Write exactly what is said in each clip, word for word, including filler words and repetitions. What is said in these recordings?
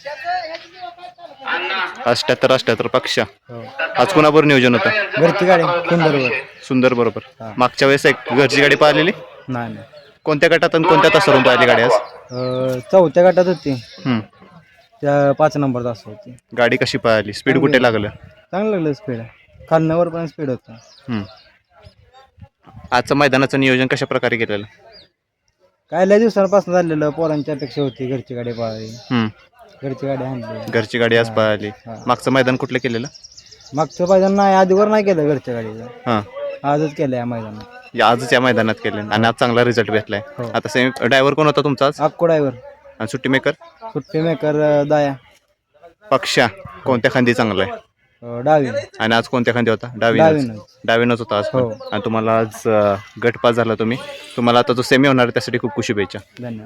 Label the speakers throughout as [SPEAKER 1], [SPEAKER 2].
[SPEAKER 1] अष्ट्याहत्तर अष्ट्याहत्तर पक्षा.
[SPEAKER 2] हो.
[SPEAKER 1] आज कोणाबरोबर नियोजन होतं?
[SPEAKER 2] घरची गाडी सुंदरवर.
[SPEAKER 1] सुंदर बरोबर.
[SPEAKER 2] हा.
[SPEAKER 1] मागच्या वेळेस एक घरची गाडी पाहिलेली.
[SPEAKER 2] नाही नाही.
[SPEAKER 1] कोणत्या गटात आणि कोणत्या तासावरून पाहिली गाडी आज?
[SPEAKER 2] अं, चौथ्या गटात होती.
[SPEAKER 1] हम्म.
[SPEAKER 2] त्या पाच नंबर तास होती.
[SPEAKER 1] गाडी कशी पाहिली? स्पीड कुठे लागलं?
[SPEAKER 2] चांगलं लागलं स्पीड. खालनावर पण स्पीड होतं.
[SPEAKER 1] हम्म. आजचं मैदानाचं नियोजन कशा प्रकारे केलेलं?
[SPEAKER 2] काय लय दिवसांपासून झालेलं. पोरांची अपेक्षा होती घरची गाडी पाहावी.
[SPEAKER 1] हम्म.
[SPEAKER 2] घरची गाडी आणली.
[SPEAKER 1] घरची गाडी आज पाहिली.
[SPEAKER 2] हा.
[SPEAKER 1] मागचं मैदान कुठलं केलेलं?
[SPEAKER 2] मागचं मैदान नाही, आधीवर नाही केलं घरच्या गाडीचं.
[SPEAKER 1] हां.
[SPEAKER 2] आजच केलं या मैदानात.
[SPEAKER 1] या आजच या मैदानात केलं आणि आज चांगला रिझल्ट भेटलाय.
[SPEAKER 2] हो.
[SPEAKER 1] आता सेम ड्रायव्हर कोण होता तुमचा आज?
[SPEAKER 2] अक्को ड्रायव्हर.
[SPEAKER 1] आणि सुट्टी मेकर?
[SPEAKER 2] सुट्टी मेकर दाया.
[SPEAKER 1] पक्षा कोणत्या खांदी चांगला आहे?
[SPEAKER 2] अं, डावी.
[SPEAKER 1] आणि आज कोणत्या खांदी होता? डावी.
[SPEAKER 2] डावीनंच.
[SPEAKER 1] डावीनच होता आज पण.
[SPEAKER 2] हो.
[SPEAKER 1] आणि तुम्हाला आज अं, गट पास झाला तुम्ही. तुम्हाला आता जो सेमी होणार आहे त्यासाठी खूप खूप शुभेच्छा.
[SPEAKER 2] धन्यवाद.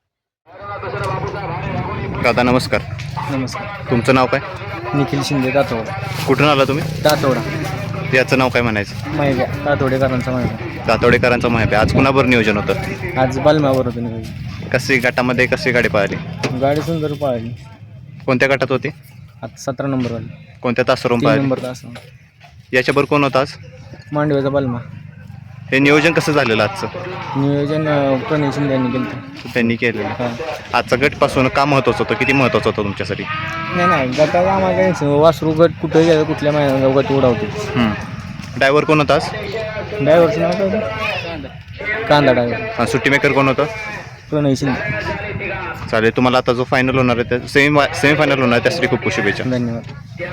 [SPEAKER 1] दादा नमस्कार.
[SPEAKER 2] नमस्कार.
[SPEAKER 1] तुमचं नाव काय?
[SPEAKER 2] निखिल शिंदे तातोडा.
[SPEAKER 1] कुठून आला तुम्ही?
[SPEAKER 2] तातोडा.
[SPEAKER 1] याचं नाव काय म्हणायचं?
[SPEAKER 2] महिब्या तातोडेकरांचा महिब्या.
[SPEAKER 1] दातोडेकरांचा माहिती. आज कुणाबरोबर नियोजन होतं?
[SPEAKER 2] आज बालम्यावर होतो निघाली.
[SPEAKER 1] कशी गटामध्ये कशी गाडी पाहिली?
[SPEAKER 2] गाडी सुंदर पाहिली.
[SPEAKER 1] कोणत्या गटात होती?
[SPEAKER 2] आता सतरा नंबर वाली.
[SPEAKER 1] कोणत्या तासावरून
[SPEAKER 2] तीन
[SPEAKER 1] पाहिली?
[SPEAKER 2] नंबर तास.
[SPEAKER 1] याच्याबरोबर कोण होता आज?
[SPEAKER 2] मांडव्याचा बालमा.
[SPEAKER 1] हे नियोजन कसं झालेलं आजचं?
[SPEAKER 2] नियोजन अं, प्रणय शिंदे यांनी केलं.
[SPEAKER 1] त्यांनी केलेलं.
[SPEAKER 2] हां.
[SPEAKER 1] आजचा गटपासून का महत्त्वाचं होतं? किती महत्त्वाचं होतं तुमच्यासाठी?
[SPEAKER 2] नाही नाही गटाला आम्हाला काही नाही. वासरू गट कुठे गेलं कुठल्या महिन्यात गट उडावतो.
[SPEAKER 1] ड्रायव्हर कोण होता आज?
[SPEAKER 2] ड्रायव्हरचं नाव काय होतं? कांदा ड्रायव्हर.
[SPEAKER 1] आणि सुट्टी मेकर कोण होतं?
[SPEAKER 2] प्रणय शिंदे.
[SPEAKER 1] चालेल. तुम्हाला आता जो फायनल होणार आहे त्या सेमी सेमी फायनल होणार आहे त्यासाठी खूप खूप शुभेच्छा.
[SPEAKER 2] धन्यवाद.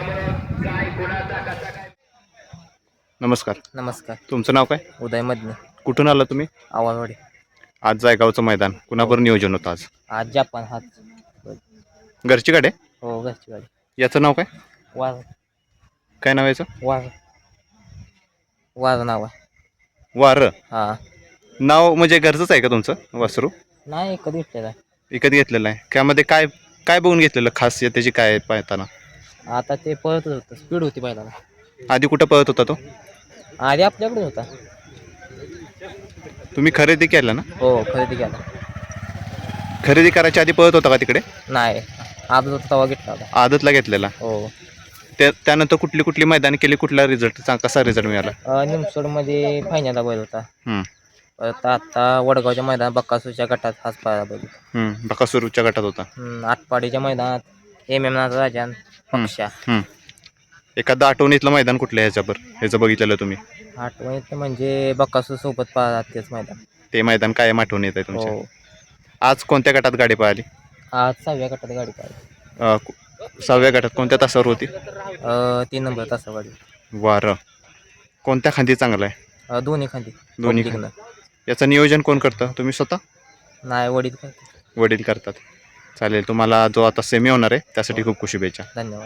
[SPEAKER 1] नमस्कार.
[SPEAKER 2] नमस्कार.
[SPEAKER 1] तुमचं नाव काय?
[SPEAKER 2] उदय मधने.
[SPEAKER 1] कुठून आला तुम्ही?
[SPEAKER 2] आवाजवाडी.
[SPEAKER 1] आज जायगावचं मैदान कुणाबरोबर नियोजन होतं आज?
[SPEAKER 2] आज जपान हात.
[SPEAKER 1] घरची गाडी आहे?
[SPEAKER 2] हो घरची गाडी.
[SPEAKER 1] याचं नाव काय?
[SPEAKER 2] वाज
[SPEAKER 1] काय नाव याचं?
[SPEAKER 2] वाज वाज नाव आहे.
[SPEAKER 1] वारं.
[SPEAKER 2] हां.
[SPEAKER 1] नाव म्हणजे घरचंच आहे का तुमचं वासरू?
[SPEAKER 2] नाही कधी घेतलेला आहे.
[SPEAKER 1] विकत घेतलेलं आहे. त्यामध्ये काय काय बघून घेतलेलं खासियत त्याची काय आहे पाहताना?
[SPEAKER 2] आता ते पळतच होतं. स्पीड होती पहिला.
[SPEAKER 1] आधी कुठं पळत होता तो?
[SPEAKER 2] आधी आपल्याकडे होता.
[SPEAKER 1] तुम्ही खरेदी केला ना?
[SPEAKER 2] हो खरेदी केला.
[SPEAKER 1] खरेदी करायच्या आधी पळत होता का तिकडे?
[SPEAKER 2] नाही आज होता तेव्हा घेतला होता.
[SPEAKER 1] आदतला घेतलेला.
[SPEAKER 2] हो.
[SPEAKER 1] त्या त्यानंतर कुठली कुठली मैदान केली? कुठला रिझल्ट कसा रिझल्ट मिळाला?
[SPEAKER 2] निमसोडमध्ये फायनलला बैल होता.
[SPEAKER 1] हम्म.
[SPEAKER 2] परत आता वडगावच्या मैदानात बक्कासूरच्या गटात हाच पाहिला बैल.
[SPEAKER 1] हम्म. बकासूरच्या गटात होता.
[SPEAKER 2] हम्म, आटपाडीच्या मैदानात एम एम नाचा राजान पक्षा.
[SPEAKER 1] हम्म. एखादं आठवणीतलं मैदान कुठलं आहे ह्याच्यावर ह्याचं बघितलेलं तुम्ही?
[SPEAKER 2] आठवणीत म्हणजे बक्कासूर सोबत पाहतात तेच मैदान.
[SPEAKER 1] ते मैदान कायम आठवण येत आहे तुमच्या?
[SPEAKER 2] हो.
[SPEAKER 1] आज कोणत्या गटात गाडी पाहिली?
[SPEAKER 2] आज सहाव्या गटात गाडी पाहिली.
[SPEAKER 1] अं, कु- सहाव्या गटात कोणत्या तासावर होती?
[SPEAKER 2] अं, तीन नंबर तासा गाडी.
[SPEAKER 1] वारं. कोणत्या खांदी चांगला आहे?
[SPEAKER 2] अं, दोन्ही खांदी.
[SPEAKER 1] दोन्ही
[SPEAKER 2] पब्लिकनं.
[SPEAKER 1] याचं नियोजन कोण करतं? तुम्ही स्वतः?
[SPEAKER 2] नाही वडील करते.
[SPEAKER 1] वडील करतात. चालेल. तुम्हाला जो आता सेमी होणार आहे त्यासाठी खूप खूप शुभेच्छा.
[SPEAKER 2] धन्यवाद.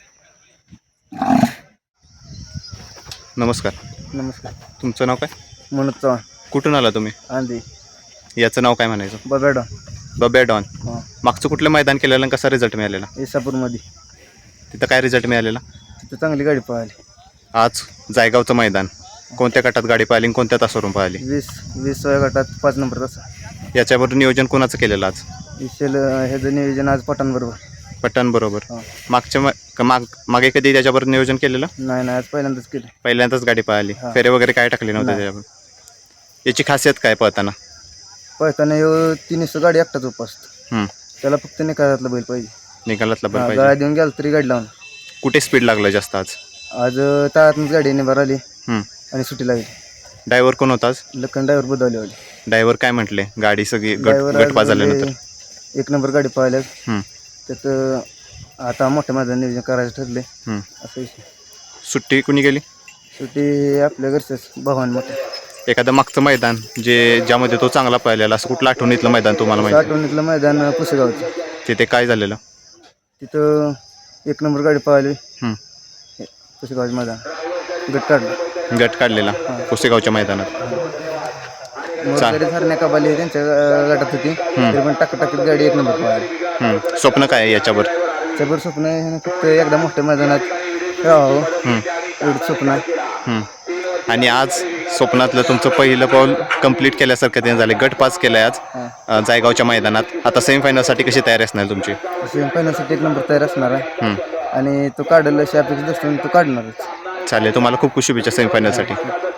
[SPEAKER 1] नमस्कार.
[SPEAKER 2] नमस्कार.
[SPEAKER 1] तुमचं नाव काय?
[SPEAKER 2] मनोज चव्हाण.
[SPEAKER 1] कुठून आला तुम्ही?
[SPEAKER 2] आंधी
[SPEAKER 1] याचं नाव काय म्हणायचं?
[SPEAKER 2] बबेडॉन.
[SPEAKER 1] बब्या डॉन.
[SPEAKER 2] हां.
[SPEAKER 1] मागचं कुठलं मैदान केलेलं आणि कसा रिझल्ट मिळालेला?
[SPEAKER 2] इसापूरमध्ये.
[SPEAKER 1] तिथं काय रिझल्ट मिळालेला?
[SPEAKER 2] तिथं चांगली गाडी पाहिली.
[SPEAKER 1] आज जायगावचं मैदान कोणत्या गटात गाडी पाहिली आणि कोणत्या तासावरून पाहिली?
[SPEAKER 2] वीस वीसव्या गटात पाच नंबर तासा.
[SPEAKER 1] याच्याबरोबर नियोजन कोणाचं केलेलं आज?
[SPEAKER 2] विशेल ह्याचं नियोजन आज पठाणबरोबर.
[SPEAKER 1] पट्टण बरोबर.
[SPEAKER 2] हां.
[SPEAKER 1] मागच्या मा- क- माग मागे कधी त्याच्याबरोबर नियोजन केलेलं?
[SPEAKER 2] नाही नाही आज पहिल्यांदाच केलं.
[SPEAKER 1] पहिल्यांदाच गाडी पाहिली.
[SPEAKER 2] हां.
[SPEAKER 1] फेरे वगैरे काय टाकले नव्हते
[SPEAKER 2] नाही.
[SPEAKER 1] त्याच्यावर? याची खासियत काय पळताना?
[SPEAKER 2] पळताना येऊ तिन्ही गाडी एकटाच उपासतो.
[SPEAKER 1] हम्म.
[SPEAKER 2] त्याला फक्त निकालातला बैल पाहिजे.
[SPEAKER 1] निकालातला बैल
[SPEAKER 2] हा,
[SPEAKER 1] पाहिजे.
[SPEAKER 2] गाडी देऊन गेला तरी गाडी लावून.
[SPEAKER 1] कुठे स्पीड लागलं जास्त आज?
[SPEAKER 2] आज तळातूनच गाडी निभार आली
[SPEAKER 1] हम्म.
[SPEAKER 2] आणि सुट्टी लागली.
[SPEAKER 1] ड्रायव्हर कोण होता आज?
[SPEAKER 2] लखन ड्रायव्हर बुधवलीवाडी.
[SPEAKER 1] ड्रायव्हर काय म्हटले? गाडी सगळी गट
[SPEAKER 2] ड्रायव्हर
[SPEAKER 1] गटपा झाल्यानंतर?
[SPEAKER 2] एक नंबर गाडी पाहिल्या.
[SPEAKER 1] हम्म.
[SPEAKER 2] त्यात आता मोठ्या मैदान नियोजन करायचं ठरले.
[SPEAKER 1] हम्म.
[SPEAKER 2] असं विषय.
[SPEAKER 1] सुट्टी कुणी गेली?
[SPEAKER 2] शेवटी आपल्या घरचंच भगवान मोठं.
[SPEAKER 1] एखादं मागचं मैदान जे ज्यामध्ये तो चांगला पाहिलेला असं कुठलं आठवणीतलं मैदान तुम्हाला माहिती?
[SPEAKER 2] आठवणीतलं मैदान पुसेगावचं.
[SPEAKER 1] तिथे काय झालेलं?
[SPEAKER 2] तिथं एक नंबर गाडी पाहिली.
[SPEAKER 1] हम्म.
[SPEAKER 2] पुसेगावचं मैदान गट काढलं.
[SPEAKER 1] गट काढलेला पुसेगावच्या मैदानात.
[SPEAKER 2] मोरकरी धरण्या कबाली त्यांच्या अं, गटात होती. तरी पण टाक टाकीत गाडी एक नंबर पाहिली.
[SPEAKER 1] हम्म. स्वप्न काय आहे याच्यावर?
[SPEAKER 2] त्यावर स्वप्न आहे ह्यानं फक्त एकदा मोठ्या मैदानात राहावं
[SPEAKER 1] हम्म.
[SPEAKER 2] एवढं स्वप्न आहे.
[SPEAKER 1] हम्म. आणि आज स्वप्नातलं तुमचं पहिलं पाऊल कंप्लीट केल्यासारखं ते झाले. गट पास केलाय आज अ, जायगावच्या मैदानात. आता सेमीफायनलसाठी कशी तयारी असणार तुमची?
[SPEAKER 2] सेमीफायनलसाठी एक नंबर तयार असणार आहे
[SPEAKER 1] हं.
[SPEAKER 2] आणि तो काढेल अशी अपेक्षा दृष्टीने तो काढणारच.
[SPEAKER 1] चालेल, तुम्हाला खूप खूप शुभेच्छा सेमीफायनलसाठी.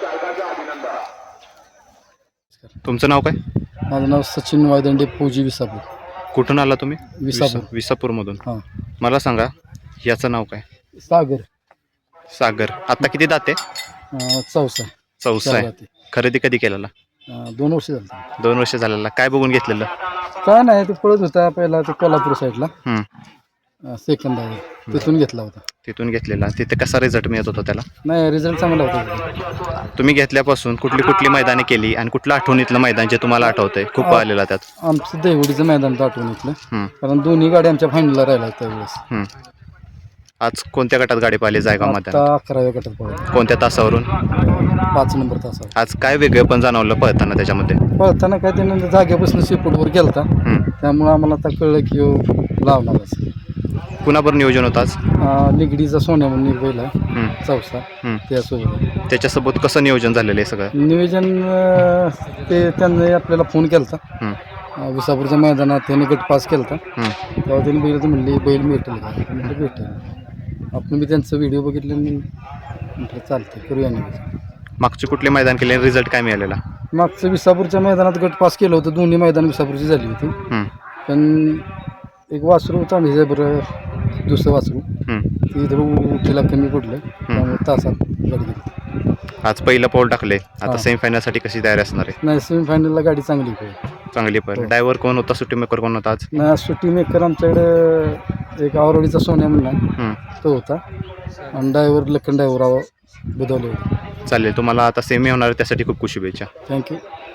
[SPEAKER 1] तुमचं नाव काय?
[SPEAKER 3] माझं नाव सचिन वायदंडे, फौजी विसापूर.
[SPEAKER 1] कुठून आला तुम्ही?
[SPEAKER 3] विसापूर.
[SPEAKER 1] विसा- विसापूरमधून.
[SPEAKER 3] हां.
[SPEAKER 1] मला सांगा याचं नाव काय?
[SPEAKER 3] सागर.
[SPEAKER 1] सागर. आता किती दाते?
[SPEAKER 3] अं, चौसा.
[SPEAKER 1] चौसा
[SPEAKER 3] चार
[SPEAKER 1] आहे.
[SPEAKER 3] दाते.
[SPEAKER 1] खरेदी कधी केलेला?
[SPEAKER 3] अं, दोन वर्ष झाली.
[SPEAKER 1] दोन वर्ष झालेला. काय बघून घेतलेलं?
[SPEAKER 3] काय नाही, ते पळत होता पहिला ते कोल्हापूर साईडला
[SPEAKER 1] हं.
[SPEAKER 3] सेकंद आहे, तिथून घेतला होता.
[SPEAKER 1] तिथून घेतलेला. तिथे कसा रिझल्ट मिळत होता त्याला?
[SPEAKER 3] नाही, रिझल्ट चांगला होता.
[SPEAKER 1] तुम्ही घेतल्यापासून कुठली कुठली मैदाने केली आणि कुठलं आठवणीतलं मैदान जे तुम्हाला आठवतंय खूप
[SPEAKER 3] आ-
[SPEAKER 1] आलेला त्यात?
[SPEAKER 3] आमचं देवडीचं मैदान तर आठवून घेतलं,
[SPEAKER 1] हं.
[SPEAKER 3] कारण दोन्ही गाड्या आमच्या फायनलला राहिल्या त्यावेळेस.
[SPEAKER 1] हं. आज कोणत्या गटात गाडी पाहिली जायगाव मैदान?
[SPEAKER 3] आता अकराव्या गटात पळत,
[SPEAKER 1] कोणत्या तासावरून?
[SPEAKER 3] पाच नंबर तासावर.
[SPEAKER 1] आज काय वेगळं पण जाणवलं पळताना त्याच्यामध्ये?
[SPEAKER 3] पळताना काय त्यानं जागेपासून शेपूटवर गेलता,
[SPEAKER 1] हं.
[SPEAKER 3] त्यामुळं आम्हाला आता कळलं की ह्यो लावणारच.
[SPEAKER 1] कुणाबरोबर नियोजन होतं आज?
[SPEAKER 3] अं, निगडीचा सोन्या म्हणून एक बैल आहे,
[SPEAKER 1] हं.
[SPEAKER 3] चौसा,
[SPEAKER 1] हं.
[SPEAKER 3] त्यासोबत
[SPEAKER 1] त्याच्यासोबत कसं नियोजन झालेलं आहे सगळं?
[SPEAKER 3] नियोजन. अं, ते त्यांनी आपल्याला फोन केला
[SPEAKER 1] हं.
[SPEAKER 3] होता विसापूरच्या मैदानात, त्याने गट पास केला होता.
[SPEAKER 1] हं.
[SPEAKER 3] तेव्हा त्यांनी बघितलं, म्हणले बैल भेटेल का? म्हटलं भेटेल. आपण मी त्यांचं व्हिडिओ बघितलं आणि म्हटलं चालतं करूया नियोजन.
[SPEAKER 1] मागचे कुठले मैदान केले? रिझल्ट काय मिळालेला?
[SPEAKER 3] मागचं विसापूरच्या मैदानात गट पास केलं होतं, दोन्ही मैदान विसापूरची झाली होती.
[SPEAKER 1] हं.
[SPEAKER 3] पण एक वासरू चांगली बरं, दुसरं वासरू
[SPEAKER 1] हं.
[SPEAKER 3] ती इथं उठीला कमी पडलं, त्यामुळे तासात गाडी गेली.
[SPEAKER 1] आज पहिलं पाऊल टाकले. आता
[SPEAKER 3] हां.
[SPEAKER 1] सेमीफायनलसाठी कशी तयारी असणार आहे?
[SPEAKER 3] नाही, सेमीफायनलला गाडी चांगली पडली.
[SPEAKER 1] चांगली पण. ड्रायव्हर कोण होता? सुट्टी मेकर कोण होता आज?
[SPEAKER 3] नाही, सुट्टी मेकर आमच्याकडे एक आवरडीचा सोन्या म्हणला
[SPEAKER 1] हं.
[SPEAKER 3] तो होता, आणि ड्रायव्हर लखन ड्रायव्हर बुधवले होते.
[SPEAKER 1] चालेल, तुम्हाला आता सेमी होणार आहे त्यासाठी खूप खूप शुभेच्छा.
[SPEAKER 3] थँक्यू.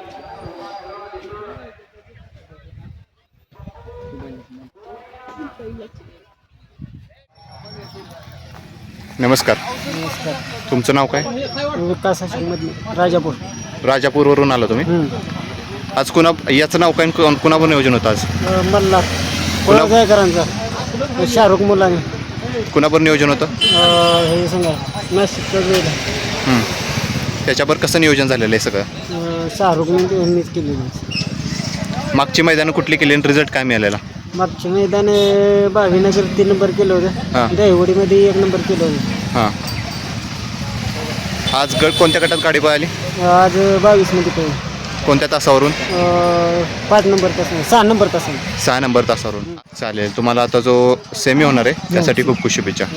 [SPEAKER 1] नमस्कार.
[SPEAKER 3] नमस्कार.
[SPEAKER 1] तुमचं नाव काय?
[SPEAKER 3] विकास राजापूर.
[SPEAKER 1] राजापूरवरून आला तुम्ही? आज कुणा याचं नाव काय? कोण- कुणावर नियोजन होतं आज?
[SPEAKER 3] मल्हार
[SPEAKER 1] कुणा-
[SPEAKER 3] जायकरांचा, शाहरुख मुलाने
[SPEAKER 1] कुणावर नियोजन होतं?
[SPEAKER 3] हे सांगा, नाशिकचं
[SPEAKER 1] हं. त्याच्यावर कसं नियोजन झालेलं आहे सगळं?
[SPEAKER 3] शाहरुख यांनीच केलेलं.
[SPEAKER 1] मागची मैदानं कुठली केली आणि रिझल्ट काय मिळालेला?
[SPEAKER 3] मागच्या मैदान भावीनगर तीन नंबर केलं
[SPEAKER 1] हां.
[SPEAKER 3] होतं, दहिवडीमध्ये एक नंबर केलं होतं.
[SPEAKER 1] हां. आज गट कोणत्या गटात गाडी पळाली?
[SPEAKER 3] आज बावीसमध्ये केलं,
[SPEAKER 1] कोणत्या तासावरून?
[SPEAKER 3] पाच नंबर तास, सहा नंबर तास.
[SPEAKER 1] सहा नंबर तासावरून. चालेल, तुम्हाला आता जो सेमी होणार आहे त्यासाठी खूप खूप शुभेच्छा.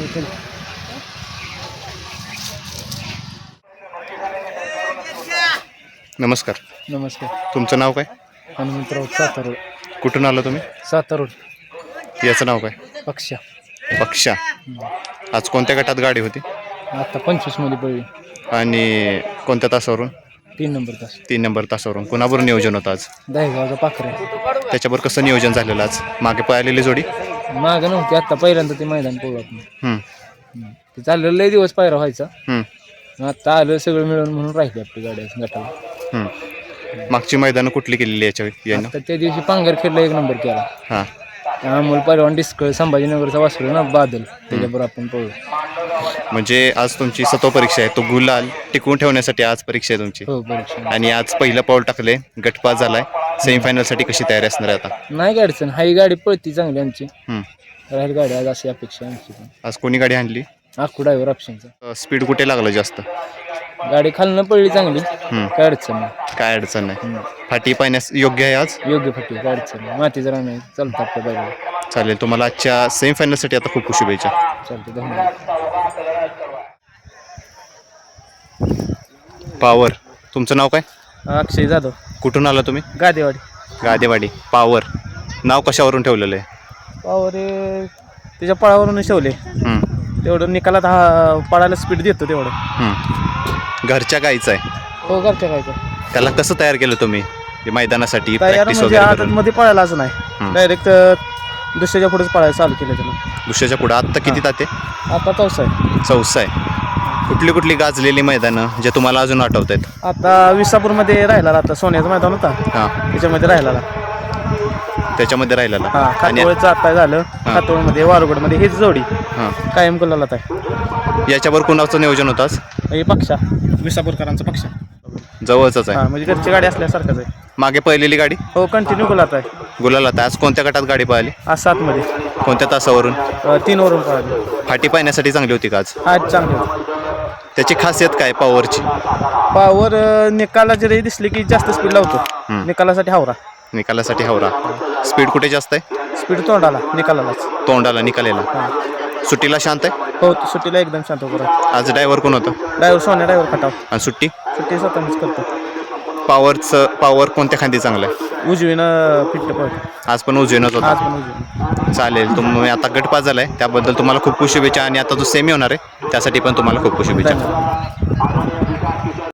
[SPEAKER 1] नमस्कार.
[SPEAKER 3] नमस्कार.
[SPEAKER 1] तुमचं नाव काय?
[SPEAKER 3] हनुमंतराव सातारोड.
[SPEAKER 1] कुठून आला तुम्ही?
[SPEAKER 3] सातारोड.
[SPEAKER 1] याचं नाव काय?
[SPEAKER 3] पक्षा.
[SPEAKER 1] पक्षा. आज कोणत्या गटात गाडी होती
[SPEAKER 3] आता पंचवीसमध्ये पडली,
[SPEAKER 1] आणि कोणत्या तासावरून?
[SPEAKER 3] तीन नंबर तास.
[SPEAKER 1] तीन नंबर तासावरून. कुणाबरोबर नियोजन होतं आज?
[SPEAKER 3] दहेगावचा पाखरे.
[SPEAKER 1] त्याच्यावर कसं नियोजन झालेलं आज? मागे पळालेली जोडी?
[SPEAKER 3] मागं नव्हती, आत्ता पहिल्यांदा ते मैदान पोळत नाही.
[SPEAKER 1] हं.
[SPEAKER 3] ते चाललेलं लय दिवस पायरा व्हायचा,
[SPEAKER 1] हं.
[SPEAKER 3] आता आलं सगळं मिळून म्हणून राहिली आपली गाडी गटाला.
[SPEAKER 1] हं. मागची मैदानं कुठली केलेली याच्या यानं?
[SPEAKER 3] आता त्या दिवशी पांगर खेळला एक नंबर केला,
[SPEAKER 1] हां.
[SPEAKER 3] अमोल पहिलवान डिस्कळ संभाजीनगरचा वासरू ना बादल, त्याच्याबरोबर आपण पळू.
[SPEAKER 1] म्हणजे आज तुमची सत्व परीक्षा आहे, तो गुलाल टिकवून ठेवण्यासाठी आज परीक्षा आहे तुमची.
[SPEAKER 3] हो, परीक्षा
[SPEAKER 1] आणि आज पहिलं पाऊल टाकले, गटपास झालाय. सेमीफायनलसाठी कशी तयारी असणार आहे आता?
[SPEAKER 3] नाही, गाडी अडचण हाही, गाडी पळती चांगली आमची,
[SPEAKER 1] हं.
[SPEAKER 3] राहील गाडी आज अशी अपेक्षा आमची पण.
[SPEAKER 1] आज कोणी गाडी आणली?
[SPEAKER 3] आखू ड्रायव्हर ऑप्शनचा.
[SPEAKER 1] स्पीड कुठे लागलं जास्त?
[SPEAKER 3] गाडी खालनं पडली चांगली,
[SPEAKER 1] हं.
[SPEAKER 3] काय अडचण नाही.
[SPEAKER 1] काय अडचण नाही. फाटी पाहण्यास योग्य आहे आज?
[SPEAKER 3] योग्य फटी, काय अडचण नाही. मातीचं रान आहे, चालतं आपल्या बाजूला.
[SPEAKER 1] चालेल, तुम्हाला आजच्या सेमीफायनलसाठी आता खूप खूप शुभेच्छा.
[SPEAKER 3] चालतं, धन्यवाद.
[SPEAKER 1] पावर. तुमचं नाव काय?
[SPEAKER 3] अक्षय जाधव,
[SPEAKER 1] कुठून आला तुम्ही?
[SPEAKER 3] गादेवाडी.
[SPEAKER 1] गादेवाडी. पावर नाव कशावरून ठेवलेलं आहे?
[SPEAKER 3] पावर त्याच्या पळावरून ठेवले,
[SPEAKER 1] हं.
[SPEAKER 3] तेवढं निकालात हा पळायला स्पीड देतो तेवढं.
[SPEAKER 1] हं. घरच्या गाईचं आहे.
[SPEAKER 3] हो, घरच्या काय
[SPEAKER 1] त्याला कसं तयार केलं तुम्ही हे मैदानासाठी?
[SPEAKER 3] तयार
[SPEAKER 1] प्रॅक्टिस
[SPEAKER 3] म्हणजे
[SPEAKER 1] वगैरे
[SPEAKER 3] आदत
[SPEAKER 1] करून?
[SPEAKER 3] मध्ये पळायला असं
[SPEAKER 1] हं.
[SPEAKER 3] नाही, डायरेक्ट दुसऱ्याच्या पुढेच पळायला चालू केलं त्याला.
[SPEAKER 1] दुसऱ्याच्या पुढे आत्ता किती ताते?
[SPEAKER 3] आता चौसा आहे.
[SPEAKER 1] चौसा आहे. कुठली कुठली गाजलेली मैदानं जे तुम्हाला अजून आठवत आहेत?
[SPEAKER 3] आता विसापूरमध्ये राहिला, आता सोन्याचं मैदान होता
[SPEAKER 1] हां.
[SPEAKER 3] त्याच्यामध्ये राहिला.
[SPEAKER 1] त्याच्यामध्ये राहिलेला.
[SPEAKER 3] हा,
[SPEAKER 1] आणि
[SPEAKER 3] खातोळचं आता झालं, खातोळमध्ये वारुगडमध्ये हेच जोडी
[SPEAKER 1] हां.
[SPEAKER 3] कायम गुलालात आहे.
[SPEAKER 1] याच्यावर कुणाचं नियोजन होतं आज?
[SPEAKER 3] हे पक्षा, विसापूरकरांचा पक्षा.
[SPEAKER 1] जवळच आहे.
[SPEAKER 4] हां म्हणजे घरची गाडी असल्यासारखंच आहे.
[SPEAKER 1] मागे पहिलेली गाडी
[SPEAKER 4] हो कंटिन्यू गुलात आहे.
[SPEAKER 1] गुलाला आज कोणत्या गटात गाडी पळाली?
[SPEAKER 4] आज सातमध्ये
[SPEAKER 1] कोणत्या तासावरून?
[SPEAKER 4] अ, तीन वरून पळाली.
[SPEAKER 1] फाटी पाहण्यासाठी चांगली होती का आज?
[SPEAKER 4] आज चांगली होती.
[SPEAKER 1] त्याची खासियत काय पॉवरची?
[SPEAKER 4] पावर निकाला जरी दिसली की जास्त स्पीड लावतो. निकालासाठी हावरा.
[SPEAKER 1] निकालासाठी हवरा. स्पीड कुठे जास्त आहे?
[SPEAKER 4] स्पीड तोंडाला निकालालाच.
[SPEAKER 1] तोंडाला निकालेला. सुट्टीला शांत आहे.
[SPEAKER 4] हो सुट्टीला एकदम शांत उभं राहतो.
[SPEAKER 1] आज ड्रायव्हर कोण होतं?
[SPEAKER 4] ड्रायव्हर सोन्या ड्रायव्हर खटाव.
[SPEAKER 1] आणि सुट्टी
[SPEAKER 4] सुट्टी स्वतःच करतो.
[SPEAKER 1] पॉवरचं पॉवर कोणत्या खांदी चांगलं आहे?
[SPEAKER 4] उजवीनं फिट्ट पळतो.
[SPEAKER 1] आज पण उजवीनच होता.
[SPEAKER 4] आज पण उजवीनं.
[SPEAKER 1] चालेल. तुम्ही आता गट पास झालाय त्याबद्दल तुम्हाला खूप खूप शुभेच्छा आणि आता जो सेमी होणार आहे त्यासाठी पण तुम्हाला खूप खूप शुभेच्छा.
[SPEAKER 4] धन्यवाद.